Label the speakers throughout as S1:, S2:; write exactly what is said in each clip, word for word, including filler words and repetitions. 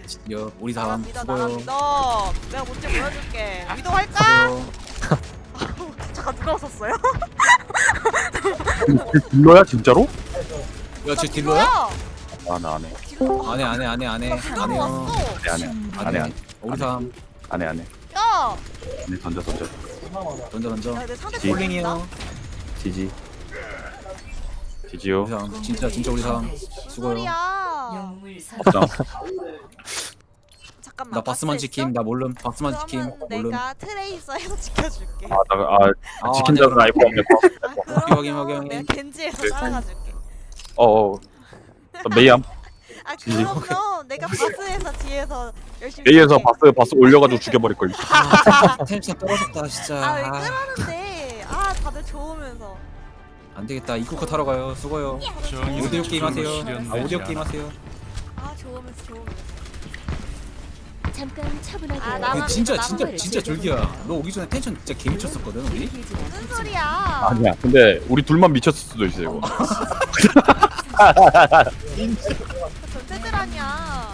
S1: 여 우리
S2: 나랑
S1: 사람
S2: 믿어 나랑
S1: 수고요.
S2: 믿어. 내가 뭔지 보여줄게. 위도 할까?
S1: 수고요.
S2: 잠깐 누가 웃었어요?
S3: 딜러야 진짜로?
S1: 야쟤 딜러야?
S3: 아 나 안해
S2: 딜러.
S1: 안해 안해 안해 안해
S2: 딜러로
S1: 안해요.
S2: 왔어.
S3: 안해 안해 안해
S1: 우리 사람
S3: 안해 안해
S2: 야.
S3: 안해 던져 던져
S1: 던져 던져.
S2: 야, 내 상대
S3: 지-
S1: 폴링이요.
S3: 지지 지지요
S1: 우리 사람 진짜 진짜 우리 사람
S2: 무슨
S1: 수고요.
S2: 소리야?
S3: 없장
S2: 잠깐만.
S1: 나 바스만
S2: 바스
S1: 지킴
S2: 있어?
S1: 나 몰름 바스만 지킴
S2: 그러면
S1: 몰름.
S2: 내가 트레이서에서 지켜줄게.
S3: 아나아
S1: 아,
S3: 지킨
S1: 네.
S3: 자는 알고 없네
S2: 아,
S1: 확인,
S2: 그러면
S1: 확인.
S2: 내가 겐지에서
S3: 네.
S2: 따라가줄게.
S3: 어어 메이암
S2: 아
S3: 지지.
S2: 그러면 내가 바스에서 뒤에서 열심히.
S3: 메이에서
S2: 할게.
S3: 바스 바스 올려가지고 죽여버릴걸
S1: 텐션 떨어졌다 진짜.
S2: 아왜
S1: 아,
S2: 그러는데? 아 다들 좋으면서.
S1: 안 되겠다. 이쿠커 타러 가요. 수고요. 오디오 게임 하세요. 아 오디오 게임 하세요.
S2: 아 좋으면서 좋으면서.
S4: 잠깐 차분하게.
S2: 아,
S1: 그
S2: 나만
S1: 진짜
S2: 믿어,
S1: 진짜
S2: 나만
S1: 진짜 졸기야. 너 오기 전에 텐션 진짜 개 미쳤었거든 우리.
S2: 무슨 소리야?
S3: 아니야 근데 우리 둘만 미쳤을 수도 있어 이거
S2: 전체들 아니야.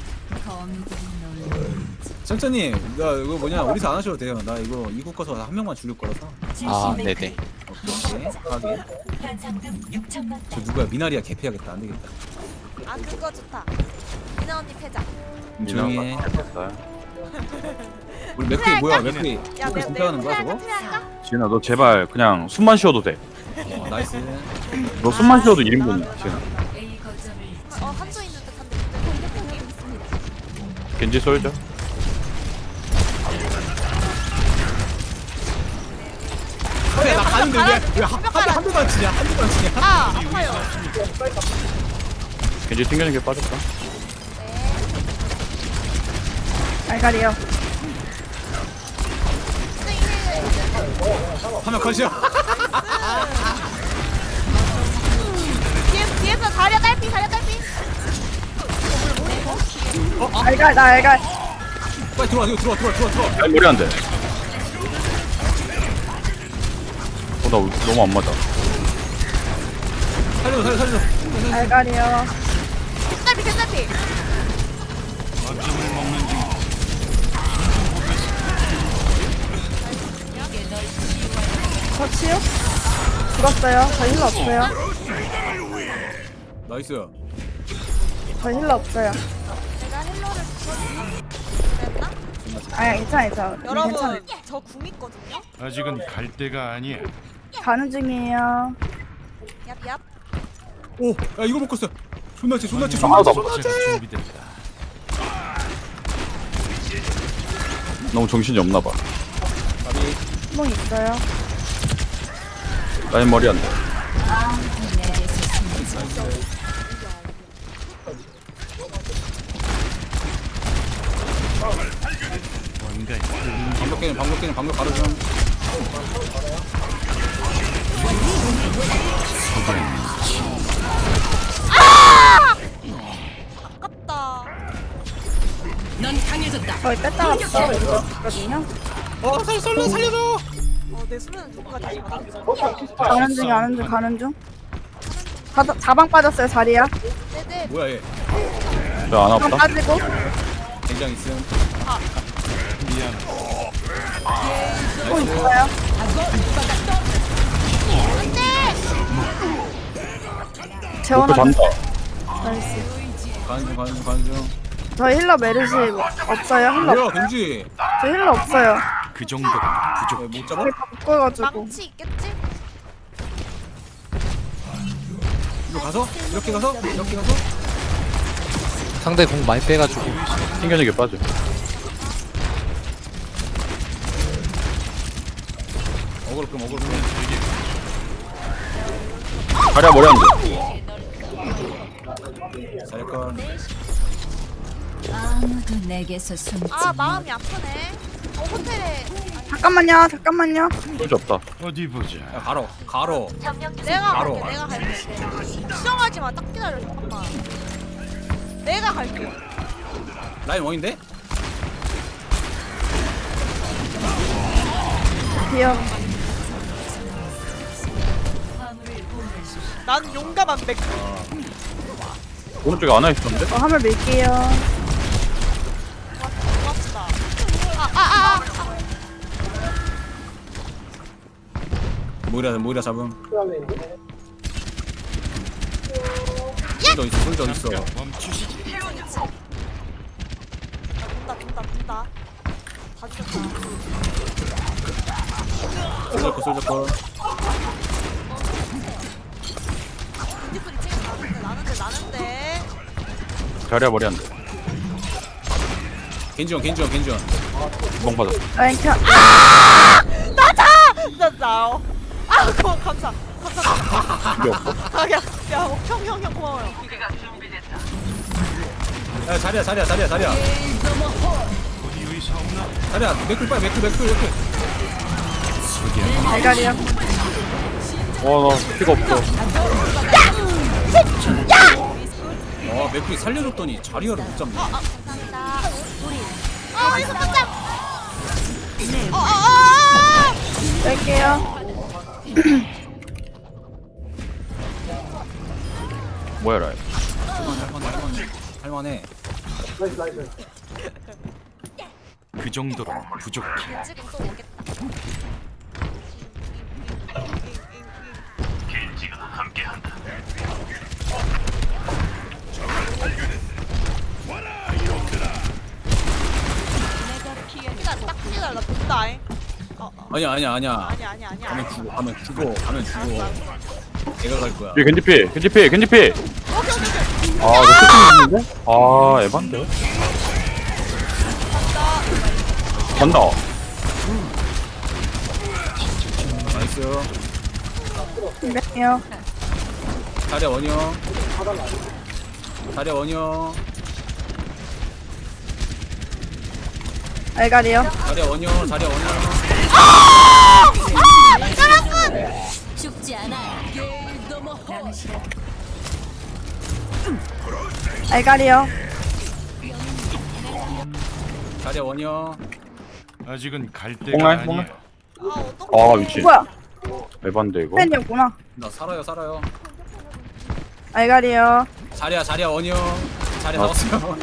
S1: 천천히. 나 이거 뭐냐 우리서 안 하셔도 돼요. 나 이거 이국 거서 한 명만 죽일 거라서.
S5: 아 네네.
S1: 오케이 하게. 저 누구야 미나리야 개피하겠다. 안 되겠다.
S2: 아 그거 좋다. 미나 언니 패자.
S1: 음, 조용히 해.
S3: 됐어요.
S1: 우리 맥크리 뭐야 맥크리.
S2: 야
S1: 맥크리
S2: 내가
S1: 진짜 하는 거야
S2: 트레
S1: 저거?
S2: 트레 할까?
S3: 지은아 너 제발 그냥 숨만 쉬어도 돼너
S1: 어, 나이스.
S3: 숨만 쉬어도 일 인분이야 지은아
S2: 어 한조 있는 듯한데 근데 공격력이
S3: 겐지 쏠죠
S1: 그래 나 가는데 왜왜한 대만 치냐 한 대만 치냐.
S2: 아 아파요.
S3: 겐지 튕겨낸 게 빠졌다
S6: 알갈이요.
S1: 하면 컷이야.
S2: 뒤에서 뒤에서 다려 깔피 다려 깔피.
S6: 알갈 나 알갈.
S1: 빨리 들어와 이거 들어와 들어와 들어와 들어와.
S3: 아니 머리 안돼 어나 너무 안 맞아
S1: 살려 살려 살려.
S6: 알갈이요.
S2: 깔피 깔피.
S6: 저 치유? 죽었어요. 저 힐러 없어요.
S1: 나이스.
S6: 저 힐러 없어요.
S2: 내가 헬로를 주셨나? 그랬나?
S6: 아야 괜찮아 괜찮아. 괜찮아.
S2: 여러분 저 궁 있거든요.
S7: 아직은 갈 때가 아니야.
S6: 가는 중이에요.
S2: 얍얍.
S1: 오, 야 이거 먹었어. 존나 치, 존나 치,
S3: 아,
S1: 존나 치,
S3: 나
S1: 존나 치.
S7: 제가 준비됐다.
S3: 너무 정신이 없나봐
S6: 구멍 있어요.
S3: 라인 머리 안돼
S7: 뭔가
S1: 방벽 깨는, 방벽 깨는, 방벽 바로 좀.
S2: 아깝다.
S6: 저희 뺐다 왔어. 이거 있거든요.
S1: 어, 살려, 살려, 살려줘.
S2: 어내 수면은 누구까지 잡았어?
S6: 가는 중 가는 중 가는 중. 자, 자방 빠졌어요 자리야.
S2: 네네.
S1: 뭐야 얘?
S3: 저안
S6: 자방
S3: 아프다
S6: 빠지고.
S1: 굉장히 있음.
S6: 또 있어요.
S3: 목표
S6: 재원아.
S3: 잔다
S6: 나이스.
S1: 가는 중, 가는 중, 가는 중.
S6: 저 힐러 메르시 없어요. 힐러.
S1: 뭐야, 경지.
S6: 저 힐러 없어요.
S7: 그 정도가 부족.
S1: 왜 못 잡아?
S6: 다 묶어가지고.
S2: 망치 있겠지?
S1: 이거 가서? 이렇게 가서? 이렇게 가서?
S5: 상대 공 많이 빼가지고.
S3: 튕겨내게 빠져
S1: 어그로 끔, 어그로 끔.
S3: 다리야 머리 안돼
S1: 살건.
S4: 아무도 내게서 숨지.
S2: 아 마음이 아프네. 어 호텔에
S6: 잠깐만요. 잠깐만요.
S3: 쏠지 없다
S7: 어디 보자.
S1: 야, 가로, 가로.
S2: 내가
S1: 바로
S2: 갈게. 내가 갈게. 수정하지 마. 딱 기다려 잠깐만. 내가 갈게.
S1: 라인 원인데?
S6: 귀여워.
S2: 난 용감한 맥.
S3: 오른쪽에 안와 있었는데?
S6: 저 화물 밀게요.
S1: 모이라 모이라 잡음. 솔저 있어 솔저 있어.
S7: 잠깐 멈추시지.
S2: 나 본다 본다 본다. 다 죽였다.
S1: 솔저 거 솔저 거.
S2: 겐지 소리 지금 나는데 나는데 나는데.
S3: 자리야 머리 안돼.
S1: 겐지원 겐지원 겐지원.
S3: 멍 받아.
S6: 라인 켜.
S2: 나자! 나자. 어. 아, 고마워. 감사. 감사합니다.
S3: 이게 없어?
S2: 아, 야, 야, 형, 형, 형 고마워요.
S1: 야 자리야 자리야 자리야 자리야.
S7: 어디 의사 없나?
S1: 자리야 맥클 빨리 맥클 맥클 맥클.
S6: 알갈이요.
S3: 어나 피가 없어.
S1: 아 맥클이 살려줬더니 자리야를 못 잡네.
S2: 아, 감사합니다. 우리. 아, 어디서 깜짝. 어, 어, 어,
S6: 뺄게요.
S3: 뭐야 라이.
S1: 할만해 할만해 할만해.
S7: 그 정도로 부족해.
S2: 어. 지금 또 오겠다. 기다려, 딱 기다려. 나 본다잉. 어, 어.
S1: 아니야 아니야 아니야.
S2: 아니야, 아니야, 아니야.
S1: 가면 죽어 가면 죽어 가면 죽어. 내가 갈 거야.
S3: 얘 겐지 피 겐지 피 겐지 피.
S2: 오케이, 오케이, 오케이.
S3: 아 이거 끝이 있는데? 아 에반데. 간다.
S1: 나이스.
S6: 뺄게요.
S1: 자리야 원형. 자리야 원형.
S6: 알갈이요.
S1: 자리야 원형 자리야 원형.
S4: 죽지 않아.
S6: 알갈이요.
S1: 자리야 원형.
S7: 아직은 갈 때가
S3: 뽕날,
S7: 아니야.
S3: 뽕날.
S2: 아, 어떡해.
S3: 아 미친.
S6: 뭐야?
S3: 에반데 이거.
S6: 팬이었구나.
S1: 나 살아요 살아요.
S6: 알갈이요.
S1: 자리야 자리야 원형. 자리
S3: 아.
S1: 나왔어요.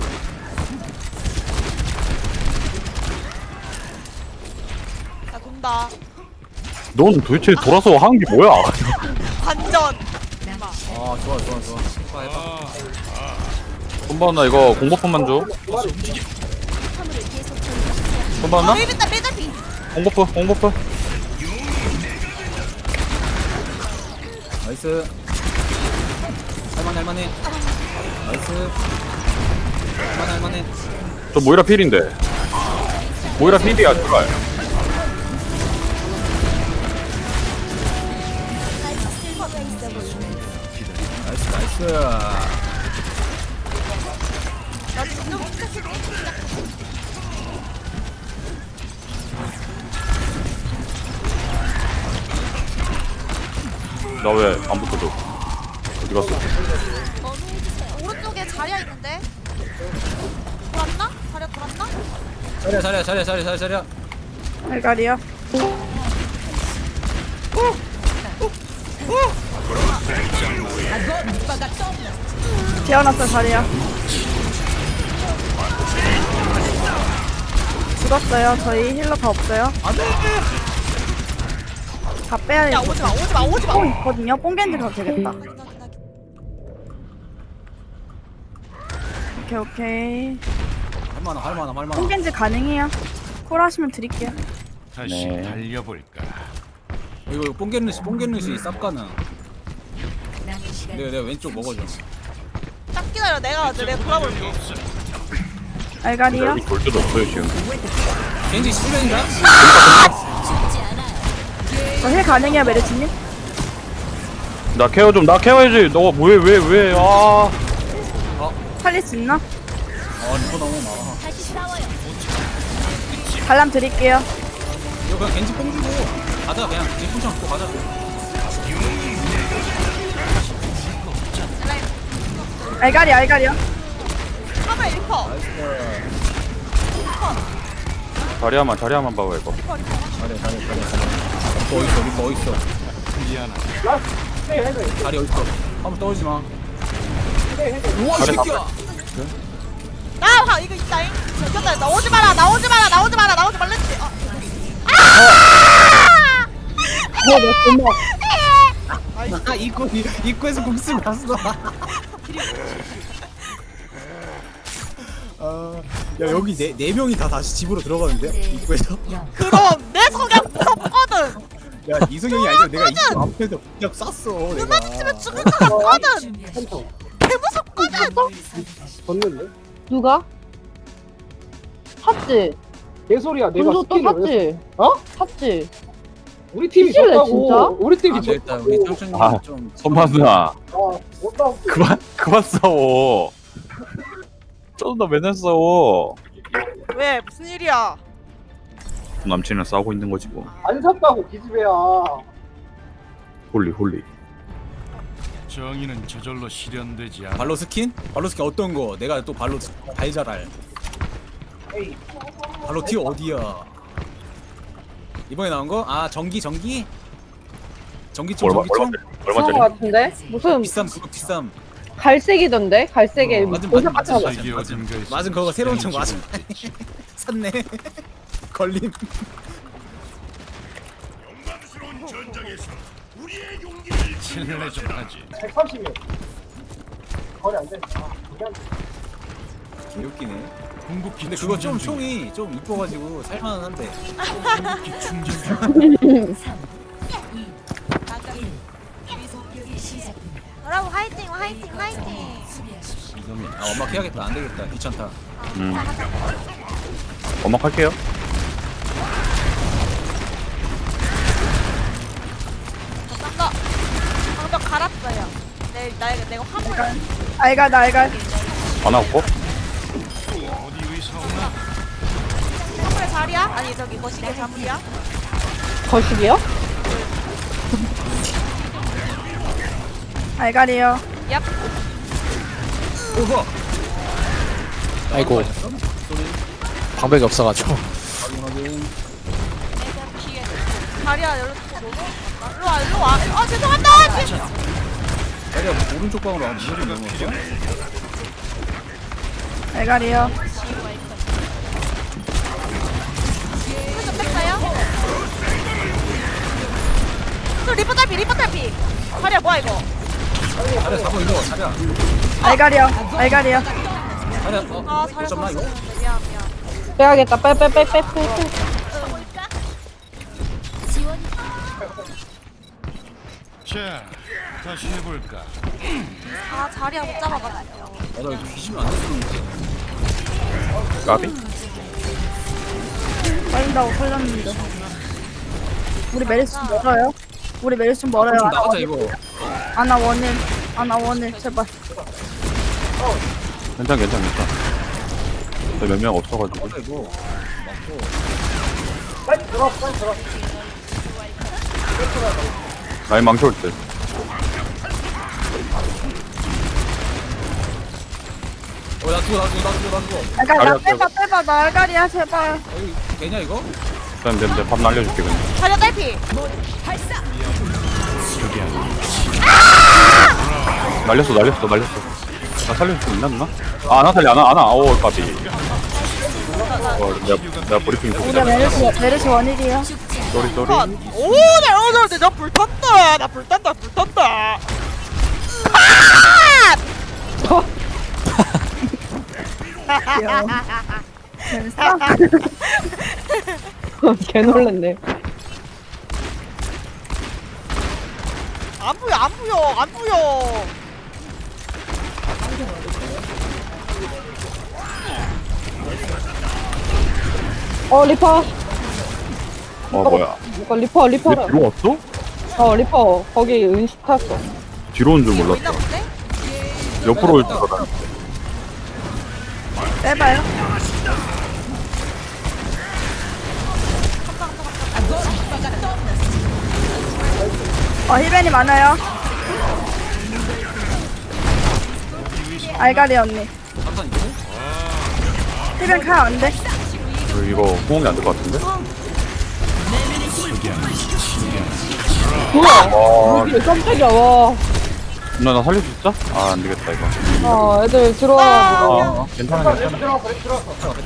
S2: 나 돈다.
S3: 넌 도대체 돌아서 하는 게 뭐야?
S2: 반전.
S1: 아 좋아 좋아 좋아. 해봐 해봐.
S3: 손바나 이거 공버프만 줘. 손바나?
S2: 아, 일단 매달피.
S3: 공버프 공버프.
S1: 나이스. 할만해 할만해. 나이스. 할만해 할만해.
S3: 저 모이라 필인데. 모이라 필이야 제발.
S1: 나이스 나이스.
S2: 나 지금 시작했어.
S3: 나 왜 안 붙어줘? 어디 갔어?
S2: 오른쪽에 자리야 있는데. 돌았나? 자리야 돌았나?
S1: 자리야 자리야 자리야 자리야 자리야 자리야.
S6: 알갈이요. 재워놨어 자리야. 죽었어요. 저희 힐러 다 없어요. 다 빼야
S2: 야,
S6: 돼.
S2: 오지 마, 오지 마, 오지 마.
S6: 뽕 있거든요. 뽕겐지 가도 되겠다. 오케이 오케이.
S1: 할만함 할만함 할만함.
S6: 뽕겐지 가능해요. 콜 하시면 드릴게요.
S7: 다시
S3: 네.
S7: 달려볼까.
S1: 이거 뽕겐루시 뽕겐루시 쌉가능. 내가 내가 왼쪽 먹어줘.
S2: 딱 기다려. 내가 내가 돌아볼게.
S6: 알갈이요.
S3: 여기 볼 데도 없어요 지금.
S1: 겐지 실벤인가?
S6: 저 힐 가능해요 메르치님?
S3: 나 케어 좀 나 케어해야지. 너가 뭐해 왜 왜? 아.
S6: 살릴 수 있나?
S1: 아 리퍼 너무 많아.
S6: 발람 드릴게요.
S1: 이거 그냥 겐지 뽕 주고 가자 그냥 겐지 뽕 잡고 가자.
S6: 알갈이 알갈이요.
S2: 카메라 리퍼.
S3: 자리야만 자리야만 봐봐 이거.
S2: 리퍼 리퍼.
S1: 잘해 잘해 잘해 잘해. 리퍼 어딨어 리퍼 어딨어.
S7: 미안하다.
S1: 자리 어딨어. 한번 떠오르지 마. 우와 이 새끼야.
S2: 나 아, 이거 있다잉. 저기다 나오지 마라. 나오지 마라. 나오지 마라. 나오지 말랬지. 어. 아!
S1: 아 입구 입구에서 국수 났어. 아, 야 여기 네, 네 명이 다 다시 집으로 들어가는데 입구에서.
S2: 그럼 내 성향 무섭거든.
S1: 야 이승영이 아니라 내가 입구 앞에서 그냥 쐈어. 내가.
S2: 그만치면 죽을 것 같거든. 개무섭거든.
S8: 누가? 샀지?
S9: 개소리야. 내가
S8: 분수 또
S9: 스킬을 왜
S8: 샀지?
S9: 어?
S8: 샀지?
S9: 우리 팀이
S8: 미칠래,
S9: 졌다고.
S8: 진짜?
S9: 우리 팀이
S1: 아, 네, 일단
S9: 졌다고.
S1: 우리 청춘님
S3: 아,
S1: 좀.
S3: 손마 누나
S9: 어, 못하고.
S3: 그만 그만 싸워. 좀 더 맨날 싸워.
S2: 왜 무슨 일이야?
S3: 남친이랑 싸우고 있는 거지 뭐.
S9: 안 샀다고 기집애야.
S3: 홀리 홀리.
S7: 정의는 저절로 실현되지 않아.
S1: 발로 스킨? 발로 스킨 어떤 거? 내가 또 발로 발잘알. 발로 티 어디야? 이번에 나온 거? 아 전기 전기? 전기총
S3: 얼마
S1: 전기총?
S8: 그런
S3: 얼마짜리?
S8: 거 같은데? 무슨
S1: 비쌈 그거 비쌈.
S8: 갈색이던데? 갈색에
S1: 어, 맞은
S8: 보석
S1: 맞은
S8: 같은
S1: 맞은
S8: 거.
S7: 세계
S1: 맞은
S7: 어딘가에서
S1: 맞은 그거 새로운 총
S7: 양치를
S1: 맞은. 샀네. 걸림.
S7: 칠년에 좀 하지.
S9: 백삼십이야. 거리 안 된다.
S1: 개웃기네.
S7: 궁극기
S1: 근데 그거 좀
S7: 충전 중이야.
S1: 총이 좀 이뻐가지고 살만한데.
S7: 궁극기 충전 중.
S2: 여러분 화이팅 화이팅 화이팅.
S1: 이놈이. 아 엄마 해야겠다. 안 되겠다. 귀찮다.
S3: 음. 엄마 할게요.
S2: 저 방벽 갈았어요. 내 나, 내가 화물
S6: 알갈 알갈.
S3: 안 하고.
S7: 어디 의사 없나?
S2: 화물 자리야? 아니 저기 거시기 자물이야?
S8: 거식이요?
S6: 알갈이요.
S2: 얍.
S1: 오호.
S5: 아이고 방벽이 없어가지고.
S1: 확인 확인.
S2: 자리야 열렸어. 일로 와 일로 와. 아 죄송합니다.
S1: 자리야 오른쪽 방으로 안 무조건 넘어갔어?
S6: 알갈이요.
S2: 좀 뺐어요? 저 리퍼 탈피 리퍼 탈피. 자리야 뭐야 이거?
S1: 자리야 잡아 이거 자리야.
S6: 알갈이요. 알갈이요.
S1: 자리야 어?
S2: 아
S1: 못
S2: 자리야
S1: 잡나 이거?
S2: 잡았는데 미안 미안.
S8: 빼야겠다. 빼, 빼, 빼, 빼, 빼, 빼.
S7: 자, 다시 해볼까?
S2: 아 자리야 못 잡아가지고.
S1: 나도 이거 뒤지면 안 됐었는데.
S3: 까비?
S6: 빠진다고 살렸는데. 우리 메리스 좀 멀어요. 우리 메리스 좀 멀어요.
S1: 좀
S6: 아나
S1: 나가자
S6: 원일.
S1: 이거.
S6: 아나 원일. 아나 원일 제발.
S3: 괜찮 괜찮 괜찮. 몇 명 없어가지고.
S1: 나가자 이거. 맞고.
S9: 빨리 들어, 빨리 들어.
S3: 나이 망쳐올 때.
S1: 어나 죽어 나 죽어 나 죽어 나 죽어.
S6: 알갈 나
S3: 알갈
S6: 빼봐 빼봐 나 알갈이야 제발.
S1: 어, 이거 되냐 이거?
S3: 쌤, 쌤, 쌤, 밥 날려줄게 그냥.
S2: 자리야 탈피.
S3: 날렸어, 날렸어, 날렸어. 나 살릴 수 있나 누나? 아, 나 살리 안 와, 안 와. 오, 까비. 어, 내가 내가 브리핑 보고
S6: 우리
S3: 있다.
S6: 메리스 메리스 원일이야.
S3: 쏘리 쏘리.
S2: 오나 오늘 나 불탔다. 나 불탔다 불탔다.
S6: 귀여워. 재밌어?
S8: 개 놀랐네.
S2: 안 보여 안 보여 안 보여.
S8: 어, 리퍼.
S3: 어, 뭐야?
S8: 이거 리퍼,
S3: 얘
S8: 리퍼를.
S3: 뒤로 왔어?
S8: 어, 리퍼. 거기 은식 탔어.
S3: 뒤로 온 줄
S2: 있나
S3: 몰랐다.
S2: 본데?
S3: 옆으로 올 줄 알았는데.
S6: 빼봐요. 어 힐벤이 많아요. 알갈이 언니.
S1: 잠깐 이거?
S6: 힐벤 칼 안 돼.
S3: 어, 이거 호응이 안 될 것 같은데?
S8: 뭐야?
S3: 와,
S8: 이게 깜짝이야, 와.
S3: 누나 나 살릴 수 있어? 아, 안 되겠다 이거.
S8: 아, 애들 들어와가지고.
S3: 어, 괜찮아, 괜찮아.
S9: 들어갔어, 들어갔어.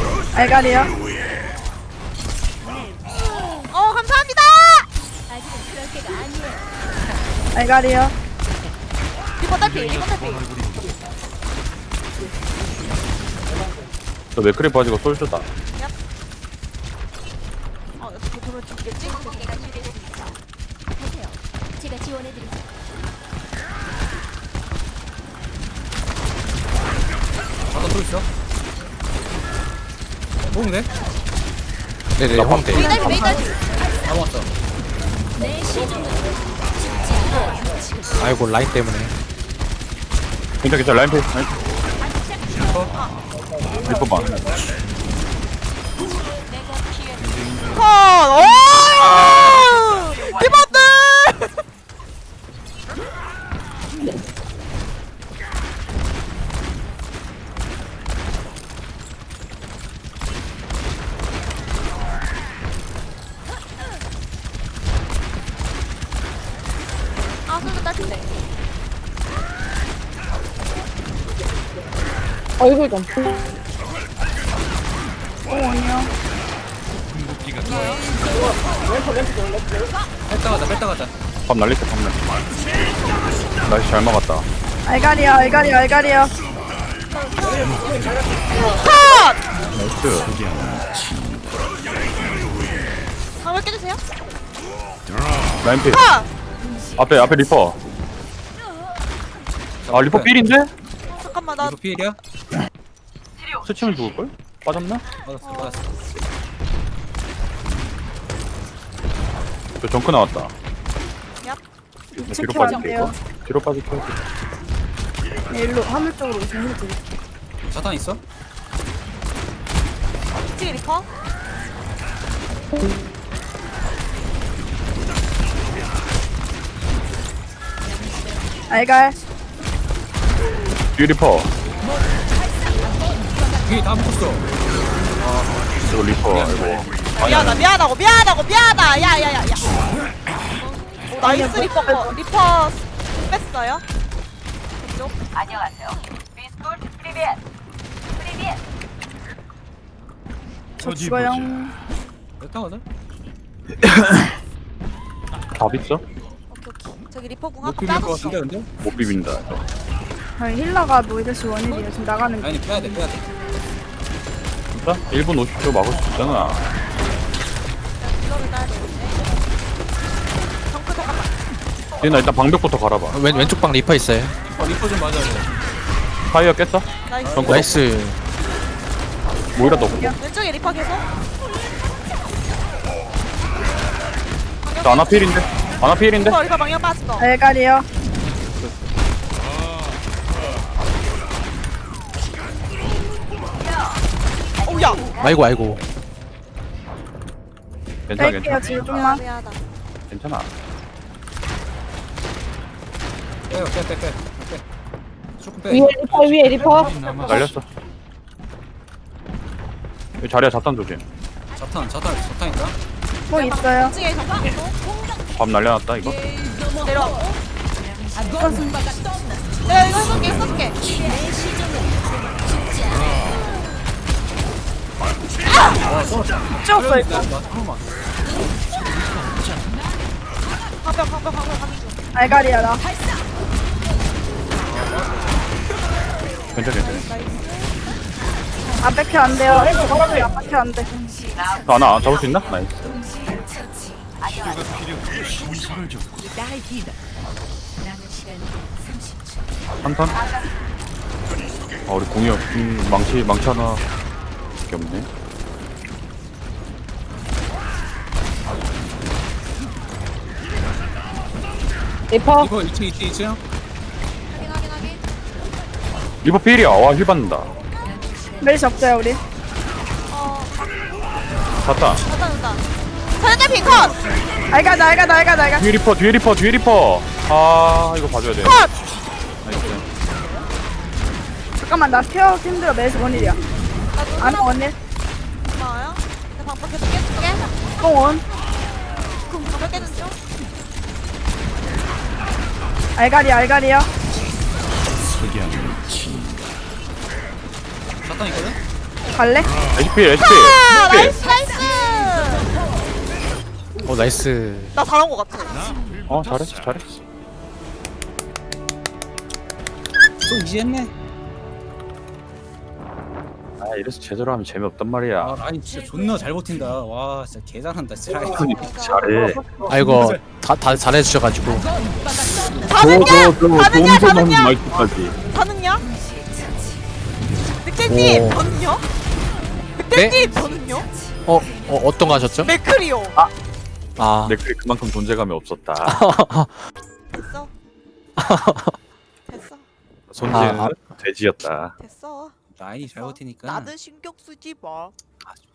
S6: 알갈이요.
S2: 어 감사합니다.
S4: 상태가 아니에요.
S6: 알갈이요.
S2: 리퍼 딸피 리퍼 딸피.
S3: 저 맥크리 빠지고 솔주다.
S2: 어 어떻게 돌을 죽겠지?
S4: 공격기가 준비됐습니다. 하세요. 제가 지원해드리죠.
S1: 아까 또 있어. 먹으면 돼?
S5: 네네 황대.
S2: 메이 딸피 메이 딸피.
S1: 다 먹었어.
S4: 내 시종은 죽지 않아요.
S5: 아이고 라인 때문에.
S3: 괜찮아 괜찮아 라인 페이스. 라인 페이스. 리퍼 봐.
S2: 컷! 오! 리퍼들! 아, 손도 따뜻해.
S8: 얼굴 좀.
S7: 궁극기가
S1: 뺐다 가자, 뺐다 가자.
S3: 밥 날리겠다 밥 날리. 날씨 잘 먹었다.
S6: 알갈이요. 알갈이요. 알갈이요.
S3: 나이스.
S2: 방울 깨주세요.
S3: 라인 페이스.
S2: 컷!
S3: 앞에 앞에 리퍼. 아 리퍼 필인데?
S2: 잠깐만, 나
S1: 이거 피해야?
S3: 스치면 죽을걸? 빠졌나?
S1: 맞았어, 맞았어.
S3: 저 정크 나왔다.
S2: 얍.
S3: 뒤로
S6: 체크
S3: 빠질게
S6: 안
S3: 이거.
S6: 돼요.
S3: 뒤로 빠질게.
S6: 네, 일로 화물 쪽으로 오시면 힐 드릴게요.
S1: 자탄 있어?
S2: 뒤에 리퍼.
S6: 알갈.
S3: 뒤 리퍼.
S1: 뒤에 다 붙었어.
S3: 저 리퍼 이거.
S2: 미안하다, 미안하고, 미안하고, 미안하다. 야, 야, 야, 야. 오, 나이스 리퍼 거. 리퍼 뺐어요. 이쪽.
S6: 저
S7: 어디
S6: 죽어요.
S1: 뺐다 가자.
S3: 답 있어?
S2: 오케이, 오케이. 저기 리퍼 궁
S1: 못
S2: 한번
S1: 비빌 것
S2: 까줬어.
S1: 같은데, 근데?
S3: 못 비빈다. 이거.
S6: 저희 힐러가 노이드시 원일이에요. 지금 나가는 게.
S1: 아니, 빼야 돼, 빼야 돼.
S3: 진짜? 일 분 오십 초 막을 수 있잖아.
S2: 이거를 따야 되는데. 정크 잠깐만.
S3: 얘나 일단 방벽부터 갈아봐.
S5: 왼 왼쪽 방 리퍼 있어요.
S1: 어, 리퍼 좀 맞아야 돼.
S3: 타이어 깼어?
S2: 나이스.
S3: 정크
S5: 나이스.
S3: 모이라도 없고.
S2: 왼쪽에 리퍼 계속.
S3: 저 아나필인데? 아나필인데?
S2: 리퍼, 리퍼 방향 빠진 거.
S6: 알갈이요.
S2: 오야.
S5: 아이고 아이고.
S3: 괜찮아
S6: 뺄게요.
S3: 괜찮아.
S6: 지금 좀만.
S2: 미안하다.
S3: 괜찮아.
S1: 빼요, 빼, 빼, 빼. 빼. 조금 빼.
S8: 위에 리퍼 위에 리퍼.
S3: 날렸어. 여기 자리야 자탄 조심.
S1: 자탄, 자탄, 자탄 있다.
S6: 뭐 있어요.
S2: 왼쪽에 정크 계속.
S3: 밥 날려놨다 이거.
S2: 내려와. 내가 이거 해볼게, 해볼게.
S6: 찍었어 이거.
S1: 잠깐만.
S2: 방벽, 방벽, 방벽, 방벽 중.
S6: 알갈이야 나.
S3: 괜찮아 괜찮아.
S6: 안 뺏겨 안 돼요. 안 뺏겨 안 돼.
S3: 아나 잡을 수 있나? 나이스.
S7: 신사를 줬고
S3: 한턴? 아 우리 공이 없, 음, 망치 망치 하나 밖에 없네.
S8: 리퍼.
S1: 이거 이 층, 이 층, 이 층.
S2: 확인, 확인, 확인.
S3: 리버 필이야. 와힐 받는다.
S6: 메리시 없어요 우리.
S2: 어,
S3: 샀다.
S2: 됐다, 됐다. 사연자 핑컷!
S6: 알갈 나 알갈 나 알갈 나 알갈.
S3: 뒤에 리퍼 뒤에 리퍼 뒤에 리퍼. 아 이거 봐줘야 돼.
S2: 컷!
S3: 나이스.
S6: 잠깐만 나 케어 힘들어. 메리시 원일이야. 안 원일.
S2: 고마워요. 내 방법 계속 깨줄게.
S6: 뽕원.
S2: 방법 깨준 중.
S6: 알갈이 알갈이요.
S1: 자탄 있거든?
S6: 갈래?
S3: 에이치피 에이치피.
S2: 아, 나이스, 나이스!
S5: 어 나이스.
S2: 나 잘한 거 같아.
S3: 어 잘했어 잘했어.
S1: 또 이지했네.
S3: 아 이래서 제대로 하면 재미없단 말이야.
S1: 아 라인 진짜 존나 잘 버틴다. 와 진짜 개 잘한다 진짜 라인.
S3: 아니, 잘해.
S5: 아이고 다 다 잘해주셔가지고.
S2: 다는냐? 다는냐?
S3: 좋은 점 하는
S2: 다는냐?
S3: 말투까지.
S2: 다는냐? 늑대님
S5: 오.
S2: 저는요? 늑대님 저는요?
S5: 어, 어 어떤 거 하셨죠?
S2: 맥크리오.
S5: 아
S3: 내 글이 그만큼 존재감이 없었다.
S2: 됐어. 됐어.
S3: 손지는
S5: 아,
S3: 돼지였다.
S2: 됐어.
S1: 라인이 잘 버티니까.
S2: 나는 신경 쓰지 마.
S1: 아,